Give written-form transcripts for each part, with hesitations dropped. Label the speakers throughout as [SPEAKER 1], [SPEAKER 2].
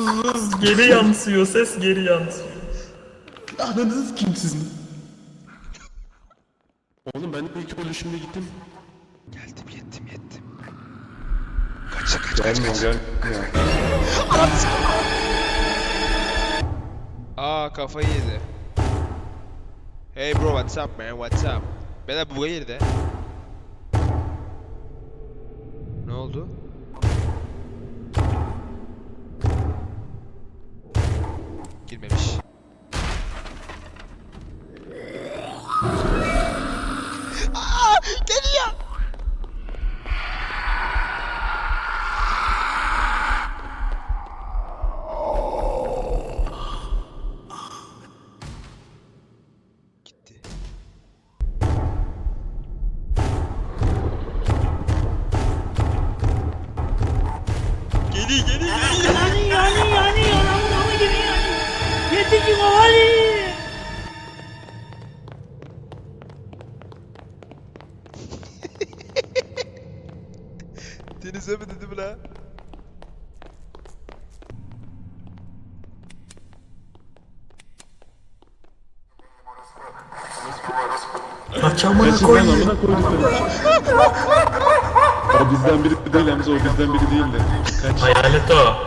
[SPEAKER 1] Geri yansıyor, ses geri yansıyor.
[SPEAKER 2] Ananız kim sizin? Oğlum ben de ilk bölüşümde gittim.
[SPEAKER 3] Geldim yettim. Kaç.
[SPEAKER 2] Gelmiyor.
[SPEAKER 3] Aa kafayı yedi. Hey bro what's up man what's up? Beyler bu girdi. Ne oldu? Girmemiş. Aa geliyor. Gitti. Geliyor.
[SPEAKER 4] Yani ama gibi yani. Yetici kovali.
[SPEAKER 3] Denize mi dedim la?
[SPEAKER 1] Kaç amına
[SPEAKER 2] Kaçın lan
[SPEAKER 1] koyayım.
[SPEAKER 2] amına koydum seni. O bizden biri değil Hamza, o bizden biri değil de. Kaç.
[SPEAKER 1] Hayalet o.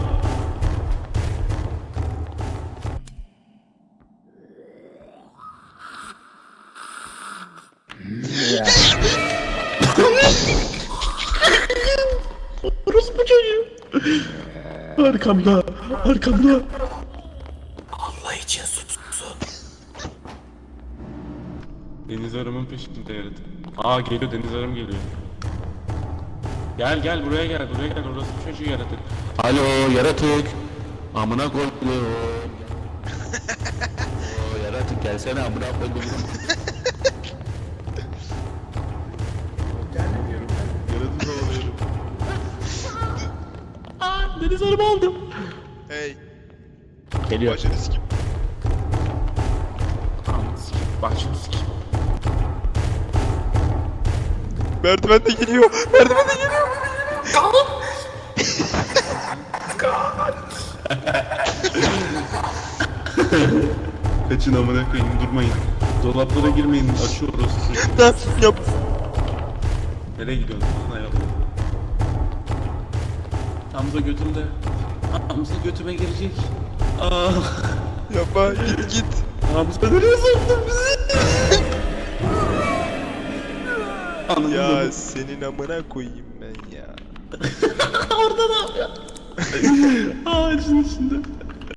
[SPEAKER 2] Orospu çocuğu. Arkamda.
[SPEAKER 1] Allah için sussun.
[SPEAKER 2] Deniz arımın peşinde yaratık. Aa geliyor, deniz arım geliyor. Gel buraya gel orası çocuğu yaratık. Alo yaratık. Amına koyduğum. Yaratık gelsene amına koyduğum. Yaratık oğluyorum. Aa deniz arımı aldım.
[SPEAKER 3] Hey.
[SPEAKER 2] Geliyor.
[SPEAKER 3] Başını sikim.
[SPEAKER 2] Başını sikim.
[SPEAKER 3] Merdiven de geliyor.
[SPEAKER 2] Kaçın amına koyayım, durmayın. Dolaplara girmeyin, açıyoruz.
[SPEAKER 3] Yap.
[SPEAKER 2] Nereye gidiyorsun? Bana yap. Hamza götümde. Hamza götüme girecek. Aa.
[SPEAKER 3] Yapma git.
[SPEAKER 2] Hamza nereye soktun bizi? Anladın
[SPEAKER 3] Ya
[SPEAKER 2] mı?
[SPEAKER 3] senin amına koyayım ben ya.
[SPEAKER 2] Orada ne yapıyor? Ağacın içinde.